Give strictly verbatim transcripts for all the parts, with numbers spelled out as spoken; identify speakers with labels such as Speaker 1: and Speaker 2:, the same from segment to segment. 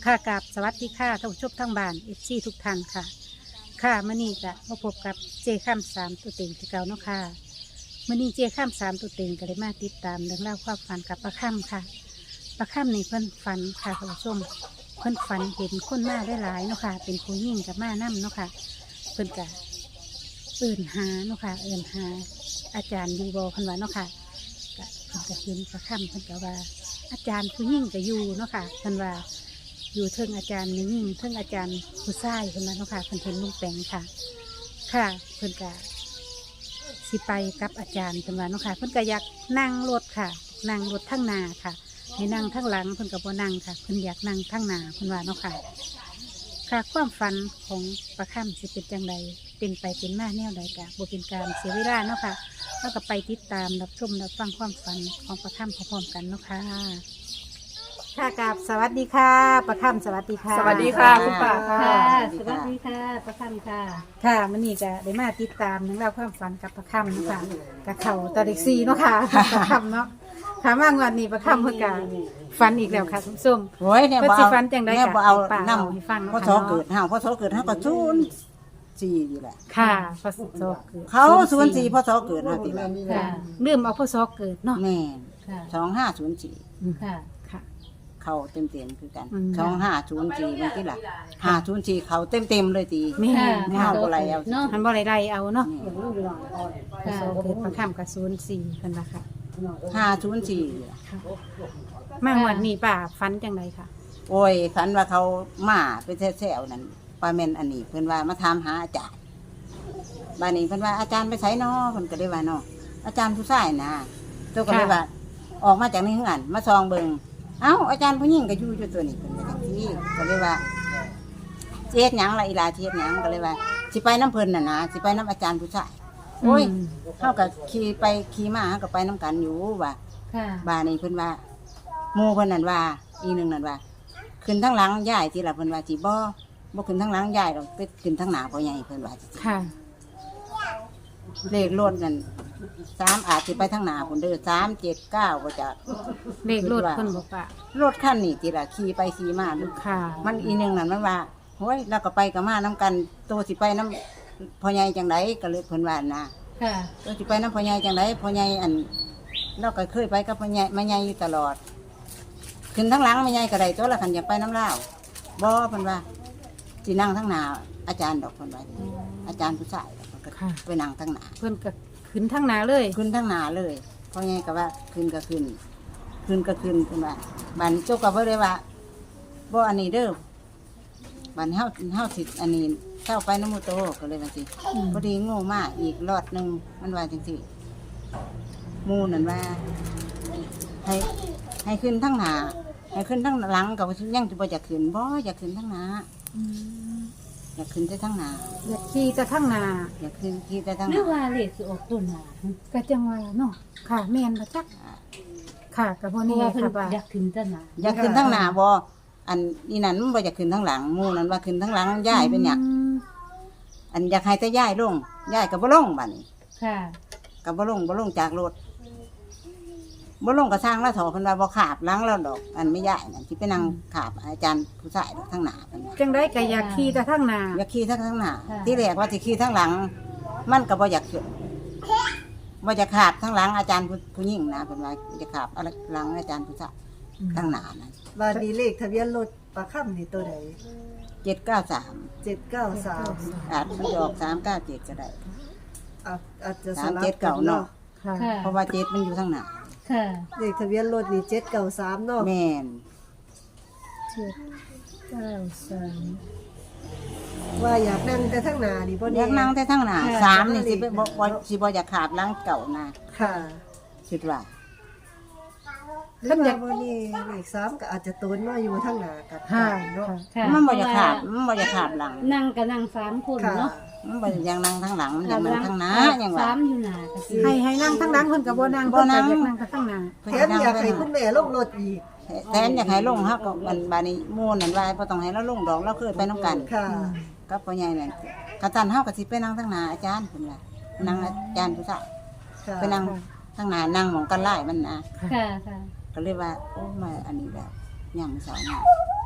Speaker 1: ค่ะกับสวัสดีค่ะท่านผู้ชมทั้งบ้านเอฟซีทุกท่านค่ะ ค่ะมื่อนี้ก็มาพบกับเจข้ามสามตัวเต็งที่เก่าเนาะค่ะมื่อนี้เจข้ามสามตัวเต็งก็ได้มาติดตามเรื่องเล่าวความฝันกับประค่ำค่ะประค่ำนี่เพิ่นฝันค่ะท่านผู้ชมเพิ่นฝันเห็นคนมาได้หลายๆเนาะค่ะเป็นผู้หญิงกับมานั่เนาะค่ะเพิ่นก็เอิ่นหาเนาะค่ะเอิ่นหาอาจารย์อยูบอเพิ่นว่าเนาะค่ะก็เพิ่นก็เห็นประค่ำเพิ่นก็ว่า อาจารย์ผู้หญิงก็อยู่เนาะค่ะเพิ่นว่าอยู่เทิงอาจารย์ผู้หญิงเทิงอาจารย์ผู้ชายเพิ่นว่าเนาะค่ะเพิ่นเห็นลุงแปงค่ะ ค่ะเพิ่นก็สิไปกับอาจารย์เพิ่นว่าเนาะค่ะเพิ่นก็อยากนั่งรถค่ะนั่งรถทั้งหน้าค่ะให้นั่งทั้งหลังเพิ่นก็บ่นั่งค่ะเพิ่นอยากนั่งทั้งหน้าเพิ่นว่าเนาะค่ะค่ะความฝันของประค่ำสิเป็นจังใดเป็นไปเป็นมาแนวใดกะบ่เป็นการเสียเวลาเนาะค่ะเราก็ไปติดตามรับชมรับฟังความฝันของประค่ำพร้อมๆกันเนาะค่ะค่ะกับสวัสดีค่ะประค่ำสวัสดีค่ะ
Speaker 2: สวัสดีค่ะคุณป้า
Speaker 1: ค่ะ
Speaker 2: ค่ะ
Speaker 1: สวัสดีค่ะประค่ำค่ะค่ะมื้อนี้ก็ได้มาติดตามเรื่องราวความฝันกับประค่ำเนาะค่ะกับเขาตะเด็กซีเนาะค่ะประค่ำเนาะค่ะมางวันนี้ประค่ำเพิ่นก็ฝันอีกแล้วค่ะคุณผู้ชม
Speaker 3: โอ้ยเนี่ย
Speaker 1: เพิ่น
Speaker 3: บ่
Speaker 1: สิ
Speaker 3: เอา
Speaker 1: ฝันจังได๋
Speaker 3: เนี่ย
Speaker 1: ก็
Speaker 3: บ่เอา
Speaker 1: ป้า
Speaker 3: น้
Speaker 1: เล่าให้ฟัง
Speaker 3: ำ
Speaker 1: เนาะ
Speaker 3: พ่อ
Speaker 1: ค่ะ
Speaker 3: โส
Speaker 1: เนาะ
Speaker 3: เกิดห้าพ่อโสเกิดห้าก็ศูนย์สี่นี่แหละ
Speaker 1: ค่ะพศเกิด
Speaker 3: เขาศูนย์สี่พ่อโสเกิดห้าปีแล้ว
Speaker 1: ค่ะลืมเอาพศเกิดเนาะ
Speaker 3: แม่
Speaker 1: ค่ะ
Speaker 3: สองห้าศูนย์สี่
Speaker 1: ค่ะค่ะ
Speaker 3: เขาเต็มเต็มๆคือกัน
Speaker 1: อืม
Speaker 3: สองห้าศูนย์สี่มันที่ละห้าศูนย์สี่เขาเต็มเต็มๆเลยตี
Speaker 1: แม่
Speaker 3: ไม่เอาอะไรเอา
Speaker 1: เนาะมันบ่ได้ไล่เอาเนาะ
Speaker 3: นี่
Speaker 1: พศเกิดประค่ำกับศูนย์สี่เพิ่นว่าค่ะ
Speaker 3: ห้าศูนย์สี่
Speaker 1: ค่ะมางวันนี้ป้าฝันจังไดค่ะ
Speaker 3: โอ้ยฝันว่าเขามาไปแซวๆนั่นปลาเมนอันนี้เพิ่นว่ามาถามหาอาจารย์บ้านนี้เพิ่นว่าอาจารย์ไปไสน้อเพิ่นก็เลยว่าน้ออาจารย์ผู้ชายนะเจ้าก็เลยว่า ออกมาจากในเฮือนมาซองเบิงเอ้าอาจารย์ผู้หญิงก็อยู่อยู่ตัวนี้เพิ่นก็จังซี่ก็เลยว่าสิเฮ็ดหยังล่ะอีหลาสิเฮ็ดหยังก็เลยว่าสิไปน้ำเพิ่นน่ะนะสิไปน้ำอาจารย์ผู้ชายโอ้ยเฮาก็ขี่ไปขี่มาเฮาก็ไปน้ำกันอยู่ว่า
Speaker 1: ค่ะ
Speaker 3: บ้านนี้เพิ่นว่าหมู่เพิ่นนั่นว่าอีหนึงนั่นว่า ขึ้นทั้งหลังยายที่ละเพิ่นว่าสิบ่บ่ขึ้นทั้งหลังยายดอกไปขึ้นทั้งหน้าพ่อใหญ่เพิ่นว่าสิ
Speaker 1: ค่ะ
Speaker 3: เลขรถนั่นสามอาจสิไปทั้งหน้าพุ่นเด้อสามเจ็ดเก้าบ่จัก
Speaker 1: เลขรถเพิ่นบอกว่าร
Speaker 3: ถคันนี้ติละขี่ไปขี่มาลูก
Speaker 1: ค่ะ
Speaker 3: มันอีหนึงนั่นมันว่าโอ้ยเราก็ไปกับมาน้ำกันโตสิไปน้ำพ่อใหญ่จังไดก็เลยเพิ่นว่านะ
Speaker 1: ค่ะ
Speaker 3: โตสิไปน้ำพ่อใหญ่จังไดพ่อใหญ่อันเราก็เคยไปกับพ่อใหญ่แม่ใหญ่อยู่ตลอด ขึ้นทั้งหลังแม่ใหญ่ก็ได้ตัวละคันอยากไปน้ำลาวบ่เพิ่นว่าสินั่งทั้งหน้าอาจารย์ดอกเพิ่นว่าอาจารย์ผู้ชายดอกเพิ่นก็
Speaker 1: ค่ะ
Speaker 3: ไปนั่งทั้งหน้า
Speaker 1: เพิ่นก็ขึ้นทั้งหนาเลย
Speaker 3: ขึ้นทั้งหน้าเลยพ่อใหญ่ก็ว่าขึ้นก็ขึ้น ขึ้นก็ขึ้นเพิ่นว่าบัดนี้เจ้าก็บ่ได้ว่าบ่อันนี้เด้อบัดนี้เฮาเฮาสิอันนี้เจ้าไปน้ำมูโตก็เลยว่าสิ
Speaker 1: อืม
Speaker 3: พอดีโง่มากอีกรอดหนึงมันว่าจังซี่หมู่นั่นว่า ให้ให้ขึ้นทั้งหน้าให้ขึ้นทั้งหลังก็ยังสิบ่อยากขึ้นบ่อยากขึ้นทั้งหน้าอยากขึ้นแต่ทั้งหน้า
Speaker 1: อยากขี่จะทั้งหนา
Speaker 3: อยากขึ้นที่แต่ทั้ง
Speaker 2: ห
Speaker 3: ห
Speaker 2: รือ
Speaker 3: น้า
Speaker 2: ว่าเลขสิออกต้นหนา
Speaker 1: ก็จังว่าเนาะค่ะแม่นบ่จักค่ะกับบ่
Speaker 2: เพราะ
Speaker 1: นี่
Speaker 2: ว่าเพิ่น
Speaker 1: ค่ะว่า
Speaker 2: อยากขึ้นต้นหนา
Speaker 3: อยากขึ้นทั้งหน้าบ่อันนี้นั่นมันบ่อยากขึ้นทั้งหลังหมู่นั้นว่าขึ้นทั้งหลังย้ายเป็นหยัง
Speaker 1: อืม
Speaker 3: อันอยากให้แต่ย้ายลงย้ายก็บ่ลงบัดนี้
Speaker 2: ค่ะ
Speaker 3: ก็บ่ลงบ่ลงจากรถบ่ลงก็สร้างแล้วเถาเพิ่นว่าบ่ขาบหลังแล้วดอก อันไม่ย้ายนั่นสิไปนั่งขาบอาจารย์ผู้ชายดอกทั้งหน้าเพิ่นว่า
Speaker 1: จังไดก็อยากขี่จะทั้งหนา
Speaker 3: อยากขี่ทั้งทั้งหน้าที่แรกว่าสิขี่ทั้งหลัง มันก็บ่อยากขึ้นบ่อยากขาบทั้งหลังอาจารย์ผู้ผู้หญิงนะเพิ่นว่าจะขาบอะไรหลังอาจารย์ผู้ชายทั้งหน้านั่น
Speaker 4: บาดนีเลขทะเบียนรถปลาค่ำนี่ตัวไหน
Speaker 3: เจ็ดเก้าสาม
Speaker 4: เจ็ดเก้าสาม
Speaker 3: อาจมันจะออกสามเก้าเจ็ดก็ได้
Speaker 4: อาจจะส
Speaker 3: สาม
Speaker 4: ลับ
Speaker 3: เจ็ด
Speaker 4: กั
Speaker 3: เก่าน เนาะ
Speaker 4: เนาะ
Speaker 1: ค่ะ
Speaker 2: ค่ะ
Speaker 3: เพราะว่าเจ็ดมันอยู่ทั้งหน้า
Speaker 2: ค่ะ
Speaker 4: เลขทะเบียนรถนี่เจ็ดเก้าสามเนาะ
Speaker 3: แม่น
Speaker 1: เจ็ดเก้าสาม
Speaker 4: ว่าอยากนั่งแต่ทั้งหนานี่บ่
Speaker 3: อ
Speaker 4: แน่
Speaker 3: ยากนั่งแต่ทั้งหน้าสามนี่สิบ่บ่บ่สิบ่อยากขาบหลังเก่านะ
Speaker 4: ค่ะ
Speaker 3: คิดว่า
Speaker 4: หรือว่าบ่นี่เลขสามก็อาจจะต้นมาอยู่ทั้งหนากับ
Speaker 1: ค่ะ
Speaker 4: เนาะ
Speaker 2: ค่ะ
Speaker 3: มันบ่อยากขาบมันบ่อยากขาบหลัง
Speaker 2: นั่งกับนั่งสามคน
Speaker 4: ค่ะ
Speaker 2: เนาะ
Speaker 3: มันบ่อยากนั่งทั้งหลังมันอยากนั่งทั้งหน้าอย่างว่า
Speaker 2: สามอยู่หนาก็สิ
Speaker 1: ให้ให้นั่งทั้งหลังเพิ่นก็บ่นั่ง
Speaker 3: บ่
Speaker 1: เพิ่น
Speaker 3: นั่
Speaker 1: ก็
Speaker 3: ง
Speaker 1: อยากนั่งกับทั้งหนา
Speaker 4: แถมอยากให้คุณแม่ลงรถอีก
Speaker 3: แทนอยากให้ลงเฮาก็มันบาดนี้หมู่นั่นว่าบ่ต้องให้เราลงดอกเราเคยไปนํกัน
Speaker 4: ค่ะ
Speaker 3: กับพ่อใหญ่นั่นกะตันเฮาก็สิไปนั่งทั้งหน้าอาจารย์เพิ่นว่านั่งอาจารย์ผู้ชาย
Speaker 4: ค่ะ
Speaker 3: ไปนั่งทั้งหน้านั่งหมองกันไล่มันนะ
Speaker 2: ค่ะค่ะ
Speaker 3: ก็เลยว่าโอ้มาอันนี้แบบย่างเสาร์นี่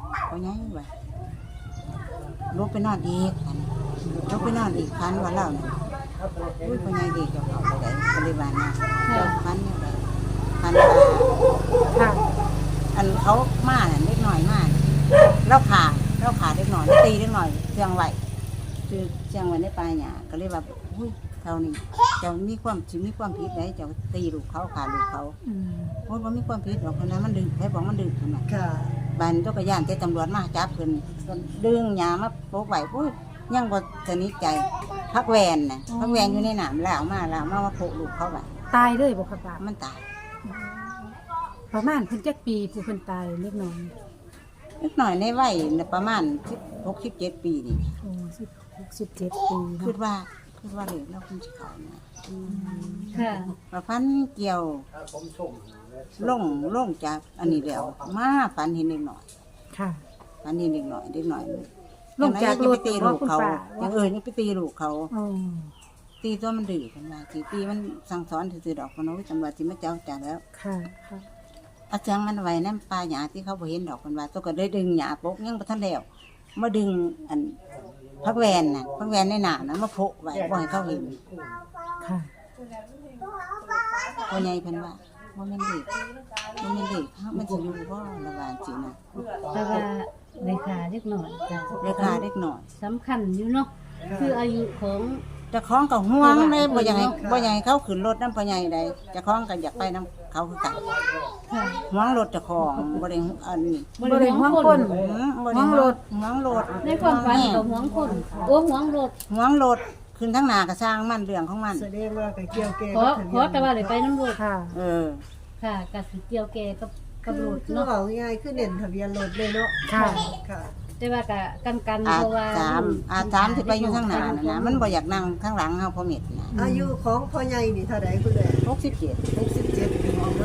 Speaker 3: พ่อใหญ่ว่าลุกไปนอนอีกอันลุกไปนอนอีกพันว่าเล่าเนี่ยอุ้ยพ่อใหญ่ดีเจ้าเขาไปไหนก็เลยว่านะเจ้าพันเนี่ยไปพันว่า
Speaker 1: ค่ะ
Speaker 3: อันเขามาเนี่ยเล็กหน่อยมากเราขาเราขาเล็กหน่อยตีเล็กหน่อยเชียงไหวคือเชียงไหวในปลายเนี่ยก็เลยแบบอุ้ยเท่านี้เจ้ามีความชีมีความผิดไหมเจ้าตีลูกเขาขาลูกเขา
Speaker 1: อืม
Speaker 3: โอ้ยมันมีความผิดหรอกคนนั้นมันดึงให้บอกมันดึงขนาด
Speaker 4: ค่ะ
Speaker 3: บันเจ้าก็ย่านแต่ตำรวจมาจับเพิ่นดึงยามาโป๊กไหวอุ้ยยังบ่สนิทใจพักแวนน่ะพักแวนอยู่ในหนามแล้วมาแล้วมามาโปะลูกเขาไว้
Speaker 1: ตายเลยบ่ครับป้า
Speaker 3: มันตาย
Speaker 1: ประมาณเพิ่นจักปีผู้เพิ่นตายเล็กน้อย
Speaker 3: เล็กหน่อยในวัยน่ะประมาณสิบหกสิบเจ็ดปีนี่
Speaker 1: โอ้สิบหกสิบเจ็ดปี
Speaker 3: คิด
Speaker 1: เนาะ
Speaker 3: ว่าคิดว่าเลยเราคงจะเขานะ
Speaker 2: ค่ะ
Speaker 3: ว่าพันเกี่ยวลงลงจากอันนี้แล้วมาฝันเห็นเด็กหน่อย
Speaker 1: ค่ะ
Speaker 3: ฝันเห็นเด็กหน่อยเด็กหน่อย
Speaker 1: ลงจากรถ
Speaker 3: ยังไปตีลูกเขา
Speaker 1: ว่าคุณป้า
Speaker 3: ยังเออยังไปตีลูกเขา
Speaker 1: อ๋อ
Speaker 3: ตีตัวมันดื้อกันมาตีตีมันสั่งสอนถือๆดอกคนโน้นตำรวจที่มาเจ้าจ่าแล้ว
Speaker 1: ค่ะค่ะ
Speaker 3: เอาจังมันไว้นั่นปลาหยาที่เขาบ่เห็นดอกคนว่าตัวก็ได้ดึงหยาปกยังบ่ทันแล้วมาดึงอันพักแวนน่ะพักแวนในหนานะมาโผล่ไว้บ่ให้เขาเห็น
Speaker 1: ค่ะ
Speaker 3: พ่อใหญ่เพิ่นว่าบ่แม่นเด็กบ่แม่นเด็กเฮามันสิอยู่บ่ระบาดสินะ
Speaker 2: แต่ว่าเลขาเล็กหน่อยจ้ะ
Speaker 3: ราคาเล็กน้อย
Speaker 2: สำคัญอยู่เนาะคืออายุของ
Speaker 3: เจ้าของก็ห่วงเลยบ่อยากให้บ่อยากให้เขาขึ้นรถนำพ่อใหญ่ใดเจ้าของก็อยากไปนํเขาคือกัน
Speaker 2: ค่ะ
Speaker 3: ห่วงรถเจ้าของบ่ได้อันนี้
Speaker 1: บ่ได้ห่วงคน
Speaker 3: อืมบ่ได้ห่วงรถห่วงรถ
Speaker 2: ในความฝันกับหวงคนโอ้หวงรถ
Speaker 3: ห่วงรถขึ้นทั้งหน้าก็สร้างมันเรื่องของมัน
Speaker 4: แสดงว่าก็เกี่ยวแก่
Speaker 2: ขอขอแต่ว่าเลยไปน้ำรถ
Speaker 1: ค่ะ
Speaker 3: เออ
Speaker 2: ค่ะกับสิเกี่ยวแกกับกับ
Speaker 4: คือ
Speaker 2: รถ
Speaker 4: คือ
Speaker 2: เนาะ
Speaker 4: เอาง่ายๆคือเน้นทะเบียนรถเลยเนาะ
Speaker 1: ค่ะ
Speaker 4: ค่ะ
Speaker 2: แต่ว่ากับกันกัน
Speaker 3: อา
Speaker 2: เพราะว่า
Speaker 3: สามอาสามที่ไปอยู่ข้างหน้าน่ะนะมันบ่อยากนั่งข้างหลังเฮาพอเม็ดนะ
Speaker 4: อายุของพ่อใหญ่นี่เท่าใดคุณแม่
Speaker 3: หกสิบเจ็ด
Speaker 4: หกสิบเจ็ดปีเนาะ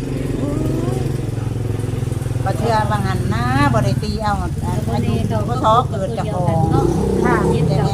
Speaker 3: บ่เชื่อบางหันนะบ่ได้ตีเอาอา
Speaker 2: วัน
Speaker 3: ยุ
Speaker 2: นี้เรา
Speaker 3: บ่
Speaker 2: ก็
Speaker 3: ท้อเกิดจากของ
Speaker 2: เนาะ
Speaker 1: ค่ะ
Speaker 2: เย็น
Speaker 3: แต่
Speaker 2: กับ
Speaker 3: แม่น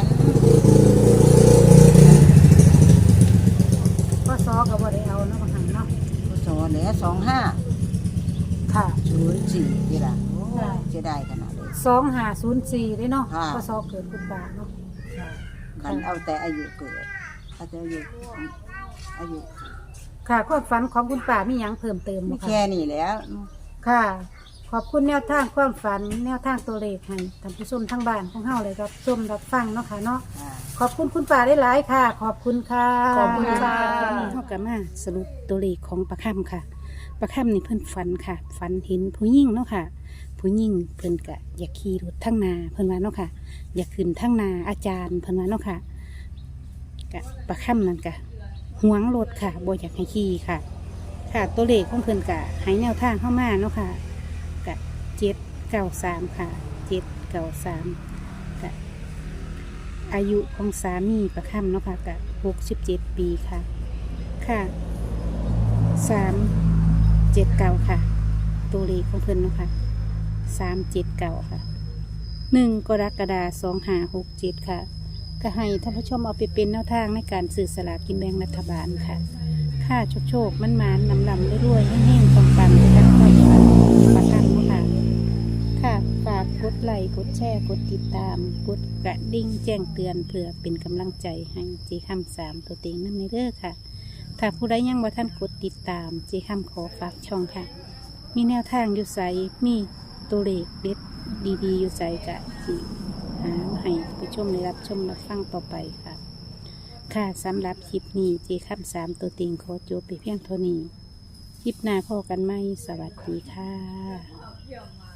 Speaker 1: ก็ซอก็บ่ได้เอาเนาะบางหันเนาะ
Speaker 3: บ่ท้อแหละสองห้า
Speaker 1: ค่ะ
Speaker 3: ศูนย์สี่นี่ล่ะโอ้เสียดายขนาดเลย
Speaker 1: สองห้าศูนย์สี่ได้เนาะ
Speaker 3: ค่ะ
Speaker 1: ก็ซอเกิดคุณป้าเนาะ
Speaker 3: คันเอาแต่อายุเกิดเอาแต่อายุอายุ
Speaker 1: ค่ะความฝันของคุณป้ามีหยังเพิ่มเติม
Speaker 3: มี
Speaker 1: บ่
Speaker 3: แค่
Speaker 1: คะ
Speaker 3: นี้แหล้ว
Speaker 1: ค่ะ ขอบคุณแนวทางความฝันแนวทางตัวเลขให้ท่านผู้ชมทั้งบ้านของเฮาเลยครับชมรับฟังเนาะค่ะเนาะ
Speaker 3: อ่า
Speaker 1: ขอบคุณคุณป้าได้หลายๆค่ะ ขอบคุณค่ะ
Speaker 4: ขอบคุณค่ะ
Speaker 1: เท่ากับมาสรุปตัวเลขของประค่ำค่ะ ประค่ำนี่เพิ่นฝันค่ะ ฝันเห็นผู้หญิงเนาะค่ะ ผู้หญิงเพิ่นกะอยากขี่รถทั้งนาเพิ่นว่าเนาะค่ะ อยากขึ้นทั้งนาอาจารย์เพิ่นว่าเนาะค่ะกะประค่ำนั่นกะหวงรถค่ะบ่อยากให้ขี่ค่ะ ค่ะตัวเลขของเพิ่นกะให้แนวทางเข้ามาเนาะค่ะกะเจ็ดเก้าสามค่ะเจ็ดเก้าสามกะอายุของสามีประค่ำเนาะค่ะกะหกสิบเจ็ดปีค่ะ ค่ะสามเจ็ดเก้าค่ะ ตัวเลขของเพิ่นเนาะค่ะสามเจ็ดเก้าค่ะหนึ่งกรกฎาสองห้าหกเจ็ดค่ะก็ให้ท่านผู้ชมเอาไปเป็นแนวทางในการสื่อสลากกินแบ่งรัฐบาลค่ะ ค่าโชคโชคมันมานนำลำรวยๆให้แห้งๆปังๆไปกันค่อยฝันประกันเนาะค่ะ ค่ะฝากกดไลค์กดแชร์กดติดตาม กดกระดิ่งแจ้งเตือนเพื่อเป็นกำลังใจให้เจคำสามตัวเต็งนั่นในเด้อค่ะ ถ้าผู้ใดยังบ่ท่านกดติดตามเจคำขอฝากช่องค่ะ มีแนวทางอยู่ใสมีตัวเลขเด็ดดีๆอยู่ใสกะสิหามาให้ผู้ชมได้รับชมรับฟังต่อไปค่ะ ค่ะสำหรับคลิปนี้เจคำสามตัวเต็งขอจบไปเพียงเท่านี้ คลิปหน้าพอกันไหมสวัสดีค่ะ